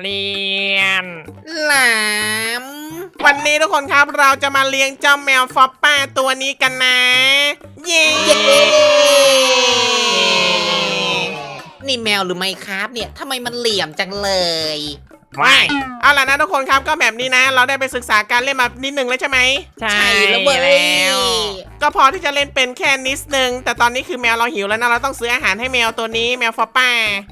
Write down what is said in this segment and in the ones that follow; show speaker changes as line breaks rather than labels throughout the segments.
เรียน
หลาม
วันนี้ทุกคนครับเราจะมาเลี้ยงเจ้าแมวฟอปป้าตัวนี้กันนะ เย้
นี่แมวหรือไม่ครับเนี่ยทำไมมันเหลี่ยมจังเลย
ว้าย
เอาล่ะนะทุกคนครับก็แบบนี้นะ เราได้ไปศึกษาการเล่นมานิดนึงแล้วใช่ไหม
ใช่
แล้วเว้ย
แล้ว
ก็พอที่จะเล่นเป็นแค่นิดนึงแต่ตอนนี้คือแมวเราหิวแล้วนะเราต้องซื้ออาหารให้แมวตัวนี้แมวฟอปป้า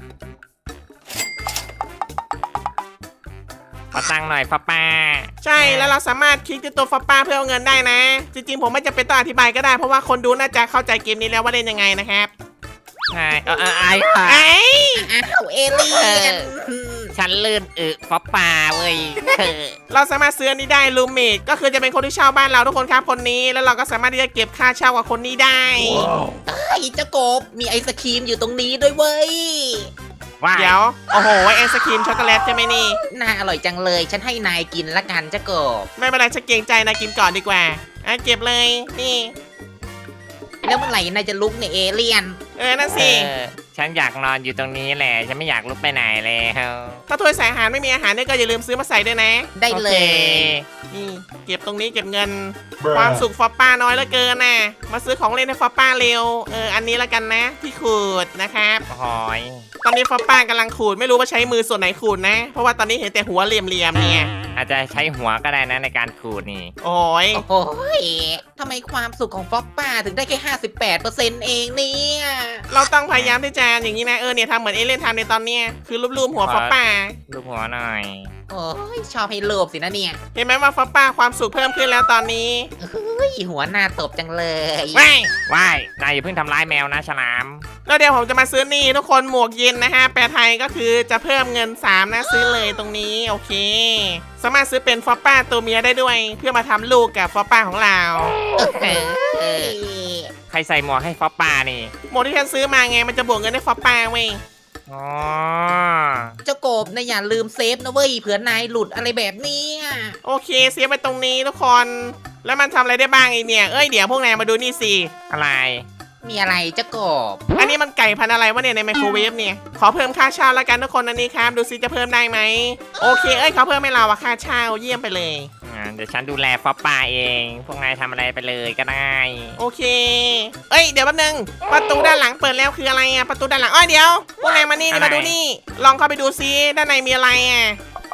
ขอตังค์หน่อยป้า
ใช่แล้วเราสามารถคลิกที่ตัวฟอปป้าเพื่อเอาเงินได้นะ จริงๆผมไม่จำเป็นต้องอธิบายก็ได้เพราะว่าคนดูน่าจะเข้าใจเกมนี้แล้วว่าเล่นยังไงนะครับ
ใช่ไอ้ค่ะ
ไอ้
อ้าวเอเลี่ยน
ฉันลื่นป้าเว้ย
เราสามารถซื้ออันนี้ได้ลูเมดก็คือจะเป็นคนที่เช่าบ้านเราทุกคนครับคนนี้แล้วเราก็สามารถที่จะเก็บค่าเช่ากับคนนี้ได้
ไอ้เจ้ากบมีไอศครีมอยู่ตรงนี้ด้วยเว้ย
ว้าย
เดี๋ยวโอ้โหไอศครีมช็อกโกแลตใช่ไหมนี่
น่าอร่อยจังเลย ฉันให้นายกินละกันเจ้ากบ
ไม่เป็นไรฉันเกรงใจนะกินก่อนดีกว่าอ่ะเก็บเลยนี่
แล้วเมื่อไหร่นายจะลุกเนี่ยเอเลี่ยน
นั่นสิ
ฉันอยากนอนอยู่ตรงนี้แหละฉันไม่อยากลุกไปไหนแล้ว
ถ้าถ้วยใส่อาหารไม่มีอาหารเนี่ยก็อย่าลืมซื้อมาใส่ด้วยนะ
ได้เล
โอค
ย
นี่เก็บตรงนี้เก็บเงิน ความสุขฟอปป้าน้อยเหลือเกินน่ะมาซื้อของเล่นให้ฟอปป้าเร็วอันนี้ละกันนะที่ขูดนะครับ
โอ้ย
ตอนนี้ฟอปป้ากำลังขูดไม่รู้ว่าใช้มือส่วนไหนขูดนะ เพราะว่าตอนนี้เห็นแต่หัวเหลี่ยมๆเนี่ย
อาจจะใช้หัวก็ได้นะในการขูดนี่
โอ้ย
โอ้ยทำไมความสุขของฟ็อกป้าถึงได้แค่58%เองเนี่ย
เราต้องพยายามที่จะอย่างนี้นะเนี่ยทำเหมือนเอเลี่ยนทำในตอนเนี้ยคือรูปๆหัวฟอปป้า
ลูกหัวหน่อย
โอ้ยชอบให้โลภสินะเนี่ย
เห็นไหมว่าฟอปป้าความสุขเพิ่มขึ้นแล้วตอนนี้
เฮ้ยหัวหน้าตบจังเลย
ไม่
ว้ายนายอย่าเพิ่งทำร้ายแมวนะฉลาม
แล้วเดี๋ยวผมจะมาซื้อนี่ทุกคนหมวกเย็นนะฮะแปลไทยก็คือจะเพิ่มเงิน3นะซื้อเลยตรงนี้โอเค สามารถซื้อเป็นฟอปป้าตัวเมียได้ด้วย เพื่อมาทำลูกกับฟอปป้าของเรา
เอ้ย
ใครใส่หมวกให้ป้านี่
หมวกที่ฉันซื้อมาไงมันจะบวกเงินให้ฟอปป้าเว้ย
อ๋อ
เจ้ากบนะอย่าลืมเซฟนะเว้ยเผื่อนายหลุดอะไรแบบเนี้ย
โอเคเสียไปตรงนี้ทุกคน แล้วมันทำอะไรได้บ้างอีกเนี่ยเดี๋ยวพวกนายมาดูนี่สิ
อะไร
มีอะไรเจ้ากบ
อันนี้มันไก่พันธุ์อะไรวะเนี่ยในไมโครเวฟเนี่ยขอเพิ่มค่าเช่าแล้วกันทุกคนอันนี้ครับดูซิจะเพิ่มได้ไหมโอเคเขาเพิ่มให้เราอะค่าเช่าเยี่ยมไปเลย
เดี๋ยวฉันดูแลป้าเอง พวกนายทำอะไรไปเลยก็ได้
โอเคเดี๋ยวแป๊บนึงประตูด้านหลังเปิดแล้วคืออะไรอะประตูด้านหลังเดี๋ยวพวกนายมานี่
อะไร
มาดูนี่ลองเข้าไปดูซิด้านในมีอะไรอะ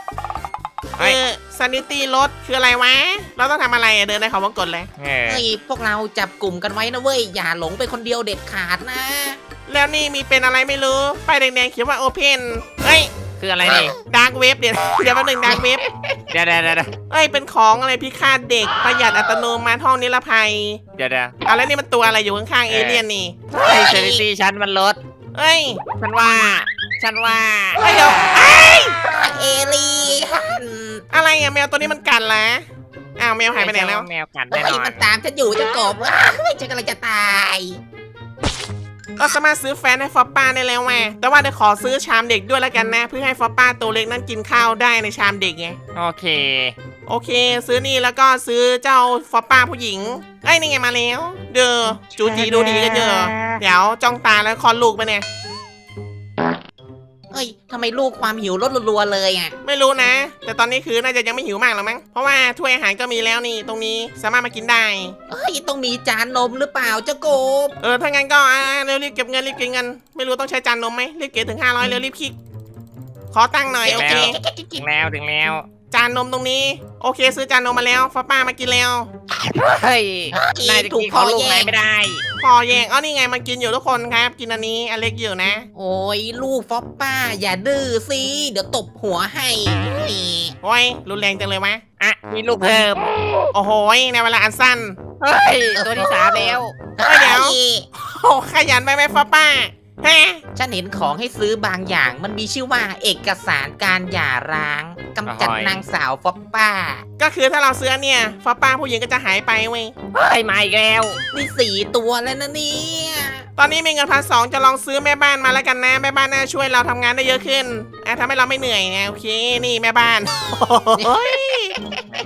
ซานิตี้รถคืออะไรวะเราต้องทำอะไรอะเดินในเขาวงกตเลย
เออ
เฮ้ยพวกเราจับกลุ่มกันไว้นะเว้ยอย่าหลงไปคนเดียวเด็ดขาดนะ
แล้วนี่มีเป็นอะไรไม่รู้ป้ายแดงๆเขียนว่าโอเพน
คืออะไรนี่
ดาร์กเว็บเดี๋ยวแป๊บนึงดาร์กเว็บ
เดี๋ยว
เป็นของอะไรพิฆาตเด็กประหยัดอัตโนมัติห้องนิรภัย
เดี๋ยว
แล้วนี่มันตัวอะไรอยู่ข้างๆเอเลี่ยนนี่
ไอ้เซนิตี้ฉันมันลด
เอ้ย
ฉันว่า
เดี๋ยว
เอเลี่ยน
อะไรอะแมวตัวนี้มันกัดละแมวหายไปไหนแล้ว
แมวกัด
เฮ้
แน่
ย
นอน
มันตามฉันอยู่เจ้ากบเฮ้ยฉันกำลังจะตาย
ก็สามารถซื้อแฟนให้ฟอปป้าได้แล้วแม่แต่ว่าเดี๋ยวขอซื้อชามเด็กด้วยแล้วกันนะ เพื่อให้ฟอปป้าตัวเล็กนั้นกินข้าวได้ในชามเด็กไง
โอเค
โอเค ซื้อนี่แล้วก็ซื้อเจ้าฟอปป้าผู้หญิงนี่ไงมาแล้ว เด้อจูจีดูดีกันเยอะเดี๋ยวจ้องตาแล้วคลอดลูกไปเนี่ย
เฮ้ยทำไมลูกความหิวลดรัวๆเลยอ่ะ
ไม่รู้นะ แต่ตอนนี้คือน่าจะยังไม่หิวมากหรอกมั้งเพราะว่าถ้วยอาหารก็มีแล้วนี่ตรงนี้สามารถมากินได้
เฮ้ยต้องมีจานนมหรือเปล่าเจ้ากบ
ถ้างั้นก็เร็วรีบเก็บเงินรีบเก็บเงินไม่รู้ต้องใช้จานนมไหมรีบเก็บถึง500เร็วรีบคลิกขอตั้งค์หน่อยโอเค
ถึงแล้ว
จานนมตรงนี้โอเค ซื้อจานนมมาแล้วฟอปป้ามากินแล้ว
เฮ้ย นายจะกินของลูกนายไม่ได้
พอแยงนี่ไงมันกินอยู่ทุกคนครับ กินอันนี้อันเล็กอยู่นะ
โอ้ยลูกฟอปป้าอย่าดื้อสิเดี๋ยวตบหัวให้นี่
โอ้ยรุนแรงจังเลยวะ
มีลูกเพิ่ม
โอ้โหในเวลาอันสั้น
เฮ้ย ตัวที่3แล้ว
เดี๋ยว ขยันไปไหมฟอปป้าฮะ
ฉันเห็นของให้ซื้อบางอย่างมันมีชื่อว่าเอกสารการหย่าร้างกำจัดนางสาวฟอปป้า
ก็คือถ้าเราซื้อเนี่ยฟอปป้าผู้หญิงก็จะหายไปเว้ย
เฮ้ย มาอีกแล้ว
นี่4 ตัวแล้วนะเนี่ย
ตอนนี้มีเงิน1,200จะลองซื้อแม่บ้านมาแล้วกันนะแม่บ้านน่าช่วยเราทำงานได้เยอะขึ้นทำให้เราไม่เหนื่อยไงโอเคนี่แม่บ้านโอ้ย
แม่บ้าน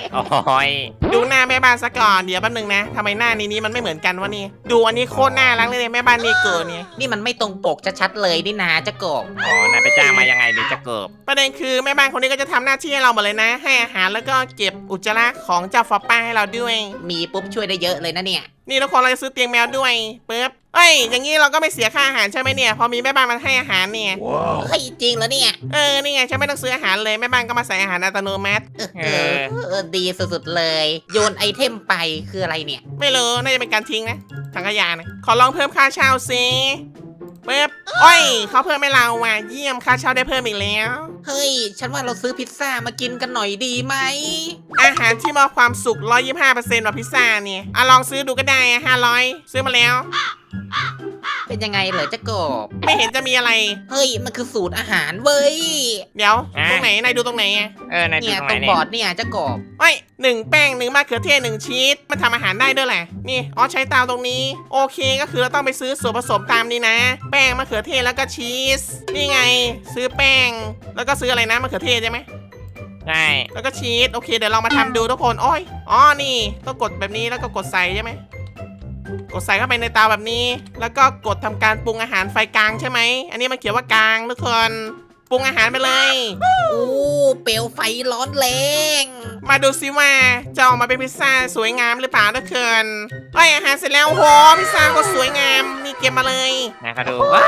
โอ้ย
ดูหน้าแม่บ้านซะก่อนเดี๋ยวแป๊บนึงนะทำไมหน้านี้มันไม่เหมือนกันวะนี่ดูอันนี้โคตรน่ารักเลยแม่บ้านเนเกอร์เนี่ย
นี่มันไม่ตรงปกชัดๆเลยนี่นาเจ้ากบ
อ๋อนายไปจ้างมายังไงหรือจะเกิบ
ประเด็นคือแม่บ้านคนนี้ก็จะทำหน้าที่ให้เราหมดเลยนะ ให้อาหารแล้วก็เก็บอุจจาระของเจ้าฟอปป้าให้เราด้วย
มีปุ๊บช่วยได้เยอะเลยนะเนี่ย
นี่ทุกคนเราจะซื้อเตียงแมวด้วยปึ๊บเอ้ยอย่างนี้เราก็ไม่เสียค่าอาหารใช่ไหมเนี่ยพอมีแม่บ้านมาให้อาหารเนี่ย
เฮ้ยจริงเหรอเนี่ย
นี่ไงฉันไม่ต้องซื้ออาหารเลยแม่บ้านก็มาใส่อาหารอัตโนมัติ
ดีสุดๆเลย โยนไอเทมไปคืออะไรเนี่ย
ไม่รู้น่าจะเป็นการทิ้งนะถังขยะนะขอลองเพิ่มค่าเช่าสิปึ๊บโอ้ยเขาเพิ่มให้เราว่ะเยี่ยมค่าเช่าได้เพิ่มอีกแล้ว
เฮ้ย ฉันว่าเราซื้อพิซซ่ามากินกันหน่อยดีไหม
อาหารที่มอบความสุข 125%แบบพิซซ่าเนี่ยลองซื้อดูก็ได้500ซื้อมาแล้ว
เป็นยังไงเหรอเจ้ากบ
ไม่เห็นจะมีอะไร
เฮ้ย มันคือสูตรอาหารเว้ย
เดี๋ยวตรงไหนนายดูตรงไหนอะ
นายดู
เนี่ย
ตรงไห
ต
น
รง
เนี่
บ
ย
อร์ดเนี่ยเจ้ากบ
เอ้ย1 แป้ง1 มะเขือเทศ1 ชีสมันทำอาหารได้ด้วยแหละนี่ใช้เตาตรงนี้โอเคก็คือเราต้องไปซื้อส่วนผสมตามนี้นะ แป้งมะเขือเทศแล้วก็ชีสนี่ไง ซื้อแป้งแล้วก็ซื้ออะไรนะมะเขือเทศใช่ไหม
ใช่
แล้วก็ชีสโอเคเดี๋ยวเรามาทำดูทุกคนอ้อยนี่ต้องกดแบบนี้แล้วก็กดใส่ใช่ไหมกดใส่เข้าไปในเตาแบบนี้ แล้วก็กดทำการปรุงอาหารไฟกลางใช่ไหมอันนี้มันเขียนว่ากลางทุกคนปรุงอาหารไปเลย
อู้เปลวไฟร้อนแรง
มาดูซิว่าจะออกมาเป็นพิซซ่าสวยงามหรือเปล่าทุกคนอาหารเสร็จแล้วโหพิซซ่าก็สวยงามนี่เก็บมาเลย
นะเขาดูว้าย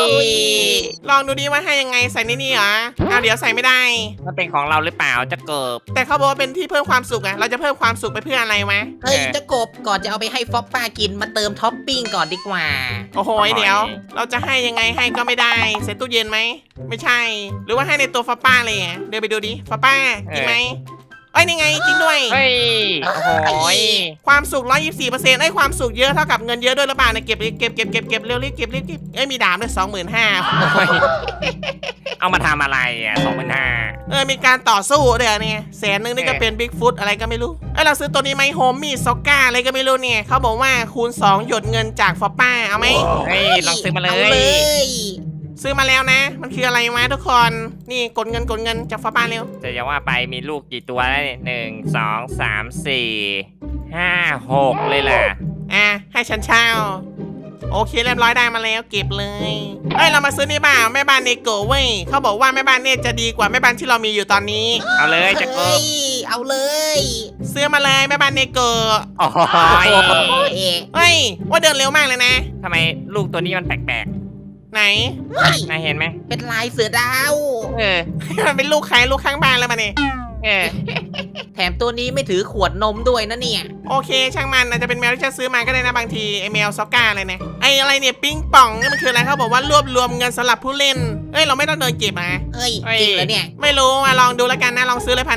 ลองดูดิว่าให้ยังไงใส่ในนี่เหรอเดี๋ยวใส่ไม่ได้
มันเป็นของเราหรือเปล่าจะเกิบ
แต่เขาบอกว่าเป็นที่เพิ่มความสุขอะเราจะเพิ่มความสุขไปเพื่ออะไรวะ
เฮ้ยเจ้ากบก่อนจะเอาไปให้ฟอปป้ากินมาเติมท็อปปิ้งก่อนดีกว่า
โอ้โหเดี๋ยว เราจะให้ยังไงให้ก็ไม่ได้ใส่ตู้เย็นไหมไม่ใช่ หรือว่าให้ในตัวฟาป้าเลยอะเดินไปดูดิฟาป้าจริงไหมนี่ไงจริงด้วย
เฮ้ยโอ้โห
ความสุข 124%ความสุขเยอะเท่ากับเงินเยอะด้วยหรือเปล่าเนี่ยเก็บเร็วรีบเก็บมีดาบด้วย25,000
เอามาทำอะไร25,000
มีการต่อสู้เดี๋ยวเนี่ย100,000นี่ก็เป็นบิ๊กฟุตอะไรก็ไม่รู้เราซื้อตัวนี้ไหมโฮมมี่ซ็อกก้าอะไรก็ไม่รู้เนี่ยเขาบอกว่าคูณ2หยดเงินจากฟอปป้าเอาไหม
เฮ้ยลองซื้อมาเล
เอาเลย ย
ซื้อมาแล้วนะ มันคืออะไรวะทุกคนนี่กดเงินจากฟอปป้าเร็ว
จะยังว่าไปมีลูกกี่ตัวแล้วเนี่ย1 2 3 4 5 6เลยล่ะ
ให้ฉันเช่าโอเคเรียบร้อยได้มาแล้วเก็บเลยเรามาซื้อนี่บ้าแม่บ้านเนโกะเว้ยเขาบอกว่าแม่บ้านเนี่ยจะดีกว่าแม่บ้านที่เรามีอยู่ตอนนี้
เอาเลยจะเกิ
เฮ้
บ
ย เอาเลย
ซื้อมาเลยแม่บ้านเนโกะ
โอ้โห
เฮ้ย
ว่าเดินเร็วมากเลยนะ
ทำไมลูกตัวนี้มันแปลก
ไหน
ๆนายเห็นไหม
เป็นลายเสือดาว
เออ
มันเป็นลูกใครลูกข้างบ้านแล้วมาเนี่ย
เออ
แถมตัวนี้ไม่ถือขวดนมด้วยนะเนี่ย
โอเคช่างมันอาจจะเป็นแมวที่ฉันซื้อมาก็ได้นะบางทีไอแมวซ็อกก้าเลยนะอะไรเนี่ยปิ้งป่องนี่มันคืออะไรเขาบอกว่ารวบรวมเงินสำหรับผู้เล่นเราไม่ต้องเดินเก็บนะ
เฮ้ย จริงเหรอเนี่ย
ไม่รู้มาลองดูแล้วกันนะลองซื้อเลย1,500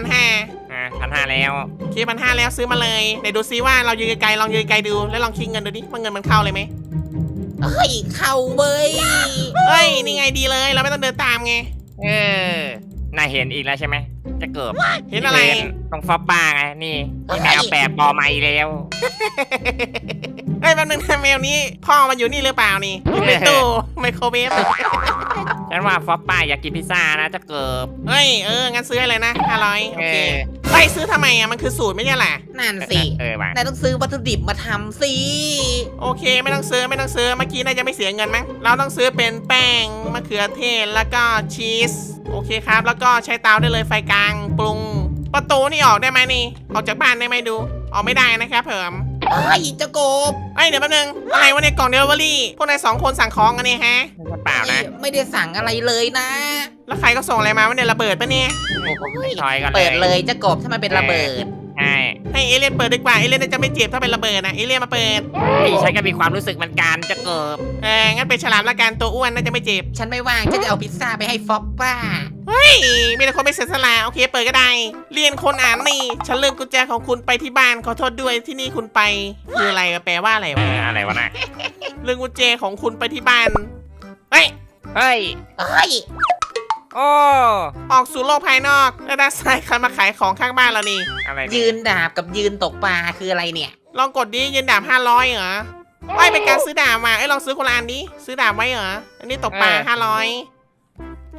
1,500แล้ว
โอเค1,500แล้วซื้อมาเลยไหนดูซิว่าเรายืนไกลๆลองยืนไกลดูแล้วลองคิดเงินดูดิว่าเงินมันเข้าเลยไหม
เฮ้ย เข้าเว้ย
นี่ไงดีเลยเราไม่ต้องเดินตามไง
เออนายเห็นอีกแล้วใช่ไหมจะเกิบ
เห็นอะไร
ตรงฟอปป้าไงนี่มีแมวแปดบอไม้แล้ว
แป๊บนึงนะแมวนี้พ่อมันอยู่นี่หรือเปล่านี่อยู่ในตู้ไมโครเวฟ
ฉันว่าฟอปป้าอยากกินพิซซ่านะจะเกิบ
งั้นซื้อให้เลยนะ500โอเค
เออ
ซื้อทำไมมันคือสูตรไม่ใช่เหรอ
นั่นสิ
ว่ะ
นายต้องซื้อวัตถุดิบมาทำสิ
โอเคไม่ต้องซื้อเมื่อกี้น่าจะไม่เสียเงินมั้งเราต้องซื้อเป็นแป้งมะเขือเทศแล้วก็ชีสโอเคครับแล้วก็ใช้เตาได้เลยไฟกลางปรุงประตูนี่ออกได้ไหมนี่ออกจากบ้านได้ไหมดูออกไม่ได้นะครับเพิ่ม
เฮ้ยเจ้ากบ
เดี๋ยวแป๊บนึงอะไรวะเนี่ยกล่องเดลิเวอรี่พวกนาย2 คนสั่งของกันเนี่ยฮะ
เปล่านะ
ไม่ได้สั่งอะไรเลยนะ
แล้วใครก็ส่งอะไรมาวะเนี่ยระเบิดปะเนี่ย
ถอยกันเลย
เปิดเลยเจ้ากบถ้ามันเป็นระเบิด
ใช่
ให้เอเลี่ยนเปิดดีกว่าเอเลี่ยนน่าจะไม่เจ็บถ้าเป็นระเบิดนะเอเลี่ยนมาเปิด
ฉันก็มีความรู้สึกเหมือนกันจะเกิบ
งั้นเป็นฉลามละกันตัวอ้วนน่าจะไม่เจ็บ
ฉันไม่ว่างฉันจะเอาพิซซ่าไปให้ฟอปป้า
มีแต่คนไม่เสียสละโอเคเปิดก็ได้เรียนคนอ่านนี่ฉันลืมกุญแจของคุณไปที่บ้านขอโทษด้วยที่นี่คุณไปคืออะไรแปลว่าอะไรวะ
อะไรวะน่ะ
ลืมกุญแจของคุณไปที่บ้านเฮ้ย
เฮ้ย
เฮ้ย
โอ้
ออกสู่โลกภายนอกแล้วด้านซ้ายใครมาขายของข้างบ้านเรานี่
อะไร
ยืนดาบกับยืนตกปลาคืออะไรเนี่ย
ลองกดดิยืนดาบ500เหรอเป็นการซื้อดาบมาลองซื้อคนละอันดิซื้อดาบไว้เหรออันนี้ตกปลา500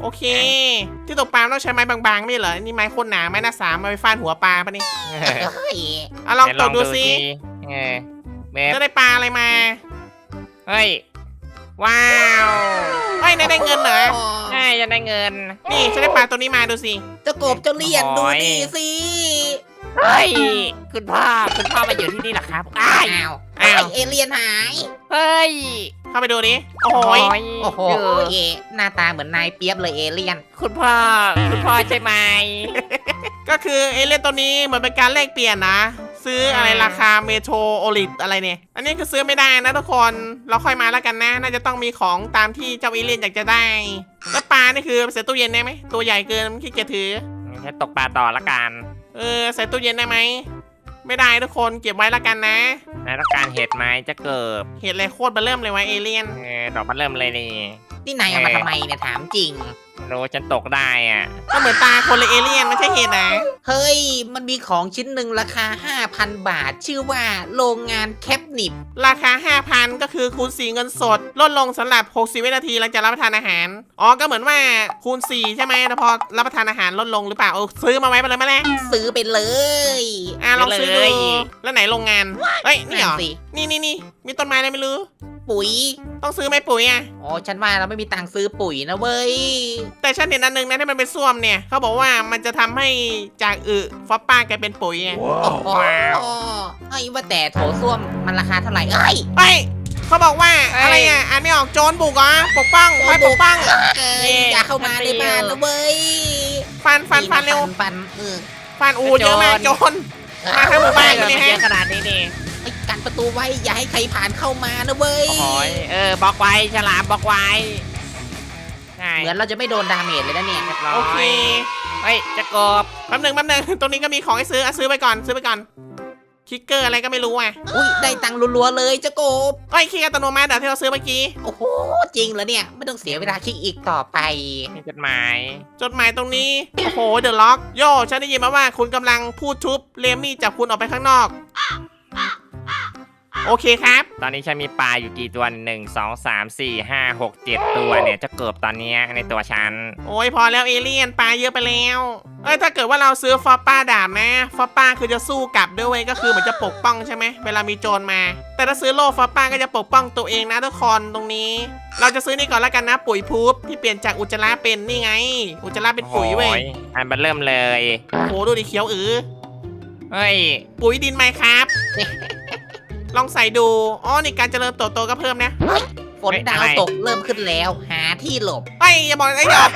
โอเค ที่ตกปลาต้องใช้ไม้บางๆไม่เหรอนี่ไม้โคตรหนาไม้หน้าสามมาไปฟาดหัวปลาปะนี่
เฮ้ย
ลองตกดูสิ
เออเบบ
จะได้ปลาอะไรมา
เฮ้ยว้าว
เฮ้ยได้เงินเหรอ
ใช่จะได้เงิน
นี่ฉันได้ปลาตัวนี้มาดูสิ
เจ้ากบเจ้าเลี่ยนดูนี่สิ
เฮ้ยคุณพ่อมาอยู่ที่นี่เหรอครับอ้าย
อ้าวอ้าวเอเลี่ยนหาย
เฮ้ย
เข้าไปดูดิโอ้โหย
โอ้โหหน้าตาเหมือนนายเปียบเลยเอเลี่ยน
คุณพ่อใช่ไหม
ก็คือเอเลี่ยนตัวนี้เหมือนเป็นการแลกเปลี่ยนนะ ซื้ออะไรราคาเมโทรโอลิตอะไรเนี่ยอันนี้คือซื้อไม่ได้นะทุกคนเราค่อยมาแล้วกันนะ น่าจะต้องมีของตามที่เจ้าเอเลี่ยนอยากจะได้แล้วปลานี่คือใส่ตู้เย็นได้ไหมตัวใหญ่เกินขี้เกียจถือ
แค่ตกปลาต่อละกัน
ใส่ตู้เย็นได้ไหมไม่ได้ทุกคนเก็บไว้แล้วกันนะ
นายต้องการเห็ดไหมจะเกิบ
เห็ดอะไรโคตรเบอร์เริ่มเลยวะเอเลี่ยน
ดอกมันเริ่มเลยนี่
นี่นายเอามาทำไมเนี่ยถามจริง
รู้ฉันตกได้อ่ะ
ก็เหมือนตาคนเลยเอเลี่ยนไม่ใช่เห็ดนะ
เฮ้ย มันมีของชิ้นหนึ่งราคา 5,000 บาท ชื่อว่าโรงงานแคปนิบ
ราคา 5,000 ก็คือคูณ4เงินสดลดลงสำหรับ60วินาทีหลังจากรับประทานอาหารอ๋อก็เหมือนว่าคูณ4ใช่ไหมแต่พอรับประทานอาหารลดลงหรือเปล่าซื้อมาไว้ไปเลยไหมล่ะ
ซื้อไปเลย
ลองซื้อดูแล้วไหนโรงงานเฮ้ยนี่เหรอ
สิ
นี่มีต้นไม้อะไรไม่รู้
ปุ๋ย
ต้องซื้อไหมปุ๋ยอ่ะ
อ๋อ ฉันว่าเราไม่มีตังค์ซื้อปุ๋ยนะเว้ย
แต่ฉันเห็นอันนึงนะที่มันเป็นส้วมเนี่ยเขาบอกว่ามันจะทำให้จากฟอปป้ากลายเป็นปุ๋ยอ่ะ
โอ้โหเฮ้ยว่าแต่โถส้วมมันราคาเท่าไหร่เอ้ย
เฮ้ยเขาบอกว่าอะไรอ่ะอ่านไม่ออกโจรบุกเหรอปกป้องไว้ปกป้อง
อย่าเข้ามาในบ้านนะเว้ย
ฟันเร็ว
ฟัน
ฟันเยอะมากโจร มาทั้งหมู่บ้าน
เยอะขนาดนี้นี่
ไอ้กันประตูไว้อย่าให้ใครผ่านเข้ามานะเว้ย
โอ้ยบล็อกไว้ฉลามบล็อกไว้ใช่
เหมือนเราจะไม่โดนดาเมจเลยนะเนี่ย
เรียบร้อ
โอเค
ยเฮ้ยจะกบ
แป๊บหนึ่งตรงนี้ก็มีของให้ซื้อซื้อไปก่อนคิกเกอร์อะไรก็ไม่รู้อ่ะ
อุ้ยได้ตังค์รัวๆเลยเจ้ากบ
เอ้ยคิกอัตโนมัติที่เราซื้อเมื่อกี้
โอ้โหจริงเหรอเนี่ยไม่ต้องเสียเวลาคลิกอีกต่อไป
มีจดหมาย
จดหมายตรงนี้ โอ้โห เดอะล็อก โย่ฉันได้ยินมาว่าคุณกำลังพูดทุบเลมี่จับคุณออกไปข้างนอก โอเคครับ
ตอนนี้ฉันมีปลาอยู่กี่ตัว1 2 3 4 5 6 7 ตัวเนี่ยจะเกิบตอนเนี้ยในตัวฉัน
โอ้ยพอแล้วเอเลี่ยนปลาเยอะไปแล้วถ้าเกิดว่าเราซื้อฟอปป้าดาบนะฟอปป้าคือจะสู้กลับด้วยเวยก็คือเหมือนจะปกป้องใช่ไหมเวลามีโจรมา แต่ถ้าซื้อโล่ฟอปป้าก็จะปกป้องตัวเองนะทุกคนตรงนี้ เราจะซื้อนี่ก่อนแล้วกันนะปุ๋ยพูบที่เปลี่ยนจากอุจจาระเป็นนี่ไง อุจจาระเป็นปุ๋ยเว้ย
โอ้อันมันเริ่มเลย
โอ้โหดูดิเขียว
เฮ้ย
ปุ๋ยดินไหมครับ ลองใส่ดูอ๋อนี่การเจริญเติบโตก็เพิ่มนะ
ฝนดาวตกเริ่มขึ้นแล้ว หาที่หลบ
เฮ้ยอย่าบอกอย่าออกไป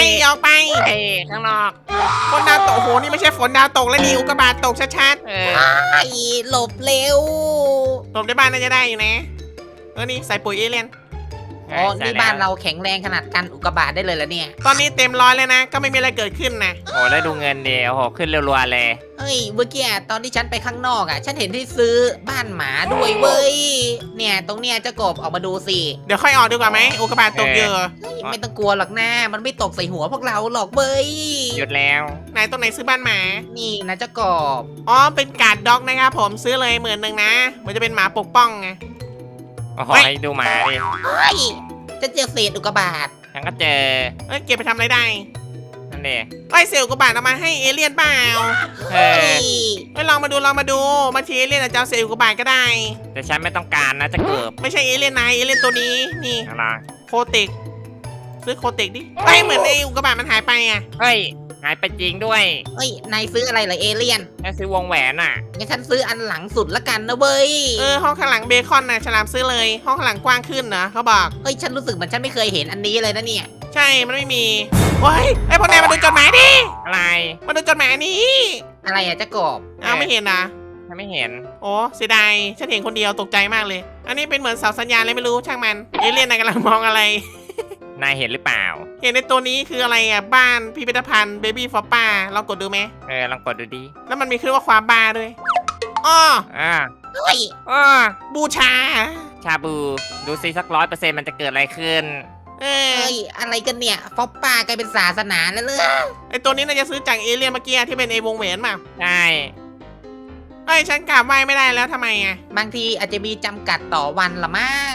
เฮ้ยข้างนอก
ฝนดาวตกโอ้โหนี่ไม่ใช่ฝนดาวตกแล้วนี่อุกกาบาตตกชัด
ไอ้หลบเร็ว
ๆหลบในบ้านน่าจะได้อยู่นะนี่ใส่ปุ๋ยเอเลี่ยน
อ๋อนี่บ้านเราแข็งแรงขนาดกันอุกกาบาตได้เลยแล้วเนี่ย
ตอนนี้เต็มร้อยเลยนะ ก็ไม่มีอะไรเกิดขึ้นนะ
โอ้แล้วดูเงินเดียวโหขึ้นรัวๆเลย
เฮ้ยเมื่อกี้ตอนที่ฉันไปข้างนอกฉันเห็นที่ซื้อบ้านหมาด้วยเว้ยเนี่ยตรงเนี้ยเจ้ากบออกมาดูสิ
เดี๋ยวค่อยออกดีกว่าไหมอุกกาบาตตกเยอะ
เฮ้ยไม่ต้องกลัวหรอกนะมันไม่ตกใส่หัวพวกเราหรอกเว้ย
หยุดแล้ว
ไหนตรงไหนซื้อบ้านหมา
นี่นะเจ้ากบ
อ๋อเป็นการ์ดด็อกนะครับผมซื้อเลย10,000นะมันจะเป็นหมาปกป้องไง
โอ้โห
เฮ้ย
ให้ดูหมาดิ
เฮ้ยจะเจอเศษอุกกาบาต
ฉันก็เจอ
เก็บไปทำอะไรได้
นั่นเอง
เซลล์อุกกาบาตเอามาให้เอเลี่ยนเปล่า
เอ
เฮ้
อย
ลองมาดูบางทีเอเลี่ยนอาจจะเอาเซลล์อุกกาบาตก็ได้
แต่ฉันไม่ต้องการนะจะเกิบ
ไม่ใช่เอเลี่ยนนายเอเลี่ยนตัวนี้นี่
อะไร
โคเต็กซื้อโคเต็กดิเหมือนไอ้อุกกาบาตมันหายไปอ่ะ
เฮ้ยหายไปจริงด้วย
เฮ้ยนายซื้ออะไรเหรอเอเลี่ยน
แค่ซื้อวงแหวนอ่ะ
งั้นฉันซื้ออันหลังสุดละกันนะเว้ย
ห้องข้างหลังเบคอนนะฉลามซื้อเลย ห้องข้างหลังกว้างขึ้นนะเขาบอก
เฮ้ยฉันรู้สึกเหมือนฉันไม่เคยเห็นอันนี้เลยนะเนี่ย
ใช่มันไม่มีโอ้ยไอ้พวกนายมาดูจดหมายดิ
อะไร
มาดูจดหมายอันนี้
อะไรอะเจ้ากบ
เอาไม่เห็นนะ
ฉันไม่เห็น
โอ้เสียดายฉันเห็นคนเดียวตกใจมากเลย อันนี้เป็นเหมือนเสาสัญญาณเลยไม่รู้ช่างมันเอเลี่ยนนายกำลังมองอะไร
นายเห็นหรือเปล่า
เห็นในตัวนี้คืออะไรอ่ะบ้านพิพิธภัณฑ์เบบี้ฟอปป้าลองกดดูไหม
ลองกดดูดิ
แล้วมันมีขึ้นว่าความบ้าด้วยอ้อ
เฮ้ย
บูชา
ชาบูดูซิสัก100%มันจะเกิดอะไรขึ้น
เออ
เฮ้ยอะไรกันเนี่ยฟอปป้ากลายเป็นศาสนาแล้วเลย
ไอตัวนี้น่าจะซื้อจากเอเลี่ยนเมื่อกี้ที่เป็นไอวงแหวนมา
ใช่
เอ้ยฉันกราบไหว้ไม่ได้แล้วทำไมอ่ะ
บางทีอาจจะมีจำกัดต่อวันละมั้ง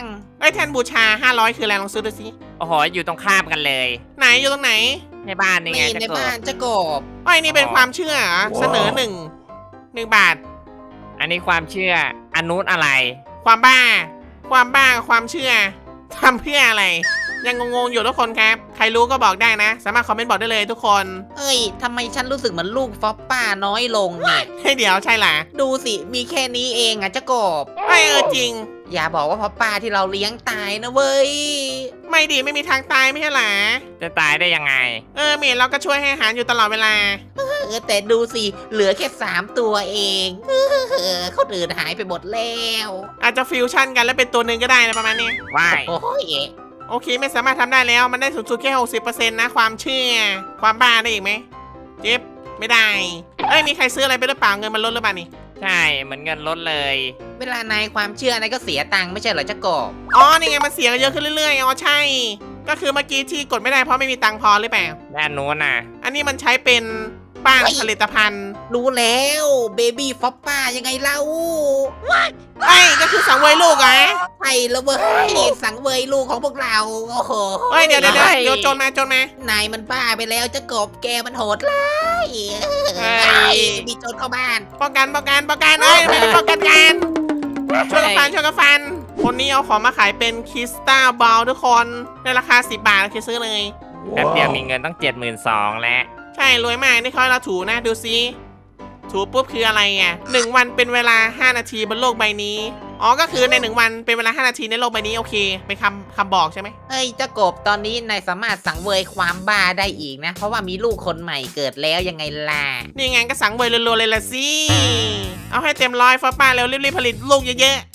อ้ยแทนบูชา500คืออะไรลองซื้อดูสิ
โอ้โหอยู่ตรงข้ามกันเลย
ไหนอยู่ตรงไหน
ในบ้านนี่ไง
นี่
จะ
ใน
กบ
บ้านจะกบ
อ้อยนี่เป็นความเชื่อเหรอเสนอ1 บาท
อันนี้ความเชื่ออันนู้นอะไร
ความบ้ากับความเชื่อทำเพื่ออะไร ยังงงๆอยู่ทุกคนครับ ใครรู้ก็บอกได้นะ สามารถคอมเมนต์บอกได้เลยทุกคน
เอ้ยทำไมฉันรู้สึกเหมือนลูกฟอปป้าน้อยลงเนี่ย
ให้เดี๋ยวใช่ล่ะ
ดูสิมีแค่นี้เองอะจะกบ
จริง
อย่าบอกว่าฟอปป้าที่เราเลี้ยงตายนะเว้ย
ไม่ดีไม่มีทางตายไม่ใช่หรอ
จะตายได้ยังไง
เมดเราก็ช่วยให้อาหารอยู่ตลอดเวลา
แต่ดูสิเหลือแค่3 ตัวเองคนอื่นหายไปหมดแล้ว
อาจจะฟิวชั่นกันแล้วเป็นตัวหนึ่งก็ได้นะประมาณนี้
ว่าย
โอ้ย
โอเคไม่สามารถทำได้แล้วมันได้สูงสุดแค่ 60%นะความเชื่อ ความบ้าได้อีกไหมเจ็บไม่ได้ มีใครซื้ออะไรไปหรือเปล่าเงินมันลดหรือเปล่านี่
ใช่เหมือนเงินลดเลย
เวลานายความเชื่อนายก็เสียตังค์ไม่ใช่เหรอจะกบ
นี่ไงมันเสียกันเยอะขึ้นเรื่อยๆใช่ ก็คือเมื่อกี้ที่กดไม่ได้เพราะไม่มีตังค์พอหรือเปล่า
ด้านนู้นน่ะ
อันนี้มันใช้เป็นบ้านผลิตภัณฑ์
รู้แล้วเบบี้ฟอปป้ายังไงเล่า
ก็คือสังเวยลูกเหรอ
ใช่แล้วเว้ยสังเวยลูกของพวกเราโอ้โห
เดี๋ยวโจรมา
นายมันบ้าไปแล้วจะกบแกมันโหดร้าย
เฮ้ย
มีโจรเข้าบ้าน
ป้องกันไม่ได้ป้องกันกันช่วยกันฟัน คนนี้เอาของมาขายเป็นคริสตัลบอลทุกคนในราคา10 บาทโอเคซื้อเลย
แป๊บเดียวมีเงินต้อง72,000แล้ว
ใช่รวยมากนี่เขาให้เราถูนะดูซิถูปุ๊บคืออะไร1 วันเป็นเวลา5 นาทีบนโลกใบนี้ก็คือใน1 วันเป็นเวลา5 นาทีในโลกใบนี้โอเคเป็นคำบอกใช่ไหม
เอ้ยเจ้ากบตอนนี้นายสามารถสังเวยความบ้าได้อีกนะ เพราะว่ามีลูกคนใหม่เกิดแล้วยังไงล่ะ
นี่ไงก็สังเวยรัวๆเลยละสิเอาให้เต็มร้อยฟ้าป้าเร็วรีบๆผลิตลูกเยอะ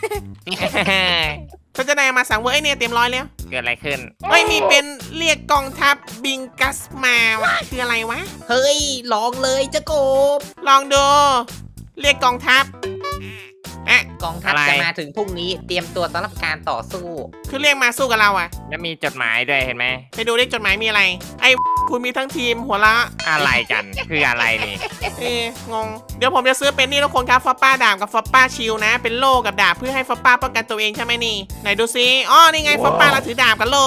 ๆฉันจะได้มาสังเวยเนี่ยเต็มร้อยแล้ว
เกิดอะไรขึ้น
มีเป็นเรียกกองทัพบิงกัสมาวะคืออะไรวะ
เฮ้ยลองเลยเจ้ากบ
ลองดูเรียกกองทัพ
กองทัพ
อะไร
จะมาถึงพรุ่งนี้เตรียมตัวสำหรับการต่อสู้
คือเรียกมาสู้กับเราอะ
แล้วมีจดหมายด้วยเห็นไหม
ไปดูเลขจดหมายมีอะไร คุณมีทั้งทีมหัวละ
อะไรกันคืออะไรนี่
งง เดี๋ยวผมจะซื้อเป็นนี่ทุกคนครับฟอปป้าดาบกับฟอปป้าชิลนะ เป็นโล่กับดาบเพื่อให้ฟอปป้าป้องกันตัวเองใช่ไหมนี่ ไหนดูซินี่ไงฟอปป้าเราถือดาบกับโล่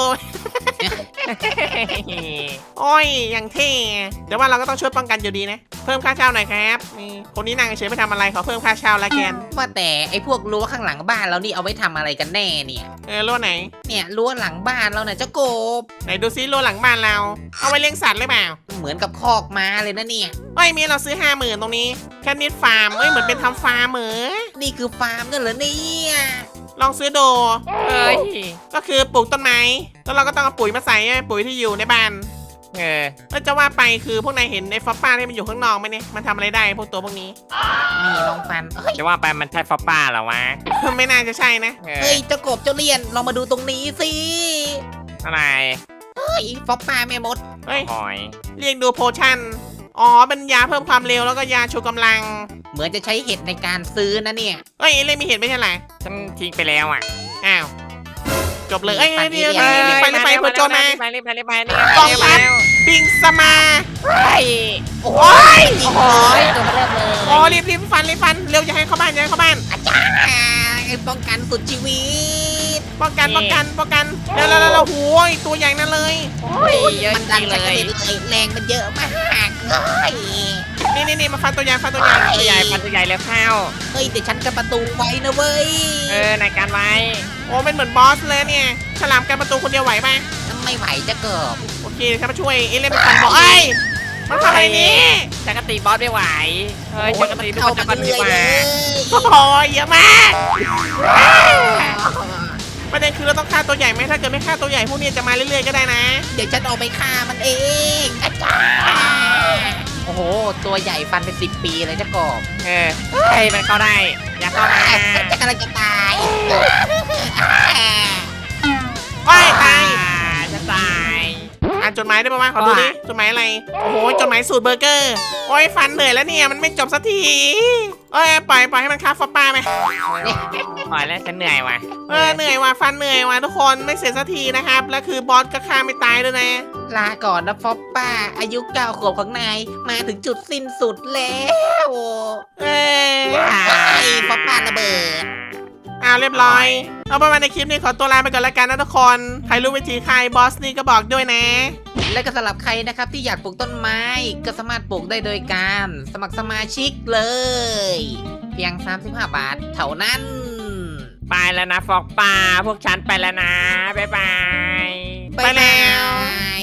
โอ้ยอย่างเท่เดี๋ยวว่าเราก็ต้องช่วยป้องกันอยู่ดีนะ เพิ่มค่าเช่าหน่อยครับนี่คนนี้นั่งเฉยไม่ทำอะไรขอเพิ่มค่าเช่าละแกน
ว่าแต่ไอ้พวกรั้วข้างหลังบ้านเรานี่เอาไว้ทำอะไรกันแน่เนี่ย
รั่วไหน
เนี่ยรั้วหลังบ้านเราเนี่ยเจ้ากบ
ไหนดูซิรั่วหลังบ้านเรา เอาไว้เลี้ยงสัตว์หรือเปล่า
เหมือนกับคอกม้าเลยนะเนี่ย
มีเราซื้อ 50,000ตรงนี้แค่นิดฟาร์มเหมือนเป็นทำฟาร์มเหมือ
นี่คือฟาร์มกันเหรอเนี่ย
ลองซื้อดู
เอ้ย
ก็คือปลูกต้นไม้แล้วเราก็ต้องเอาปุ๋ยมาใส่ปุ๋ยที่อยู่ในบ้าน แล้วจะว่าไปคือพวกนายเห็นไอ้ฟอปป้าที่มันอยู่ข้างนอกไหมเนี่ยมันทำอะไรได้พวกตัวพวกนี้
นี่ลองฟันเฮ้ย
จะว่าไปมันใช่ฟอปป้าเหรอวะ
ไม่น่าจะใช่นะ
เฮ้ยเจ้ากบเจ้าเลียนลองมาดูตรงนี้สิ
อะไร
เฮ้ยฟอปป้าแม่มด
เฮ้ย
หอย
เรียกดูโพชั่นเป็นยาเพิ่มความเร็วแล้วก็ยาชูกำลัง
เหมือนจะใช้เห็ดในการซื้อนะเนี่ย
เล่นมีเห็นไม่ใช่เหรอ
ฉันทิ้งไปแล้วอ่ะ
อ้าวจบเลยรีบไปเพื่อโจรมา
รีบไป
กองทัพปิงสมา
เฮ้ย
โอ้ยโอ้ยตัวเริ่มเลย
รีบฟันเร็วอย่าให้เข้าบ้านไ
อ้ป้องกันสุดชีวิต
ป้องกันแล้วโหยตัวใหญ่นั่นเลย
โอ้ยเยอะ
มัน
จ
ดั
ริ
ง
ง
เล
เลย
ยแรงมันเยอะมากเฮ้ย
นี่มาฟันตัวใหญ่
ตัวใหญ่พันตัวใหญ่แล้วเข้า
เฮ้ยแต่ฉันกันประตูไว้นะเว้ย
ในการไว้
เป็นเหมือนบอสเลยเนี่ยฉลามกันประตูคนเดียวไหวไหม
ไม่ไหวจะเกิบ
โอเคฉันมาช่วยเล่นเป็นฟันบอกมันทำอะไรนี่
จักรตีบอสไม่ไหวเฮ้ยจักรตีทุกคนจะกันดีกว่า
เยอะมากประเด็นคือเราต้องฆ่าตัวใหญ่ไหมถ้าเกิดไม่ฆ่าตัวใหญ่พวกนี้จะมาเรื่อยๆก็ได้นะ
เดี๋ยวฉันออกไปฆ่ามันเองอาจารย์โอ้โหตัวใหญ่ฟันเป็น10 ปีเลยจะกบ
เฮ้ยมันเข้าได้อย่าเข้ามา
จะกำลังจะตาย
ตาย
จะตาย
อ่านจดหมายได้ปะวะขอดูดิจดหมายอะไรโอ้โหจดหมายสูตรเบอร์เกอร์ฟันเหนื่อยแล้วเนี่ยมันไม่จบสักทีปล่อยให้มันฆ่าฟอปป้าไหม
ปล่อยแล้วฉันเหนื่อยว่ะ
เหนื่อยว่ะฟันเหนื่อยว่ะทุกคนไม่เสร็จสักทีนะครับแล้วคือบอสก็ฆ่าไม่ตายด้วยนะ
ลาก่อนนะฟอปป้าอายุ9 ขวบของนายมาถึงจุดสิ้นสุดแล้ว
เออ
ไอ้ฟอปป้าระเบิด
เรียบร้อย เอาประมาณในคลิปนี้ขอตัวลาไปก่อนแล้วกันนะทุกคนใครรู้วิธีใครบอสนี่ก็บอกด้วยนะ
และก็สำหรับใครนะครับที่อยากปลูกต้นไม้ก็สามารถปลูกได้โดยการสมัครสมาชิกเลย เพียง35 บาทเท่านั้น
ไปแล้วนะฟอกป่าพวกฉันไปแล้วนะ บ๊ายบาย
ไปแล้ว
บ๊ายบาย